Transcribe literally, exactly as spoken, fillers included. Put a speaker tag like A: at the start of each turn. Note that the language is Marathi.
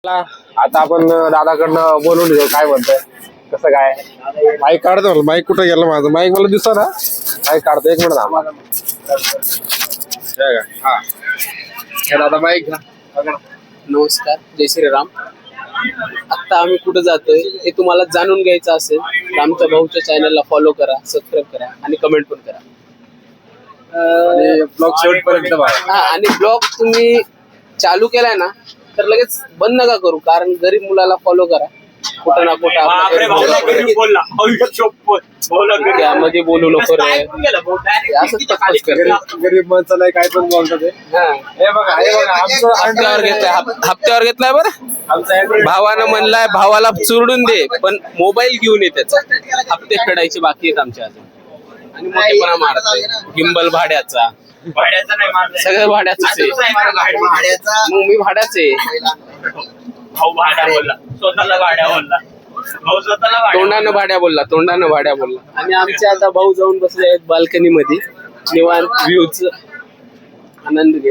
A: आता आपण दादाकडनं बोलून घेऊ काय म्हणतोय कसं काय. माईक काढतो माईक कुठं गेलं माझं माईक मला दिसतो ना माईक काढतो एक मिनिट थांबा. हा दादा माईक घ्या.
B: नमस्कार, जय श्रीराम. आता आम्ही कुठं जातोय हे तुम्हाला जाणून घ्यायचं असेल तर आमच्या भाऊच्या चॅनलला फॉलो करा, सबस्क्राईब करा आणि कमेंट पण करा.
A: आणि ब्लॉग शेवटपर्यंत बघा.
B: हा, आणि ब्लॉग तुम्ही चालू केलाय ना तर लगेच बंद नका करू, कारण गरीब मुलाला फॉलो करा. कुठं ना कुठं त्यामध्ये बोलू नको रे, असंच तक्कच करते.
A: गरीब माणसाला काय पण बोलतात. हे बघा हे बघा आमचं
B: हप्त्यावर घेतलाय, हप- हप्त्यावर घेतलाय बरं. भावानं म्हणलाय भावाला चुरडून दे, पण मोबाईल घेऊन ये त्याचा. हप्ते फेडायचे बाकी आहेत आमच्या अजून. आणि मोठेपणा मारतोय गिंबल भाड्याचा, सगळं भाड्याच आहे. मग मी भाड्याच आहे.
C: भाऊ भाड्या बोलला, स्वतःला भाड्या बोलला, भाऊ स्वतःला भाड्या
B: तोंडानं भाड्या बोलला, तोंडानं भाड्या बोलला. आणि आमचे आता भाऊ जाऊन बसले आहेत बाल्कनी मध्ये, निवांत व्ह्यूच आनंद घेत.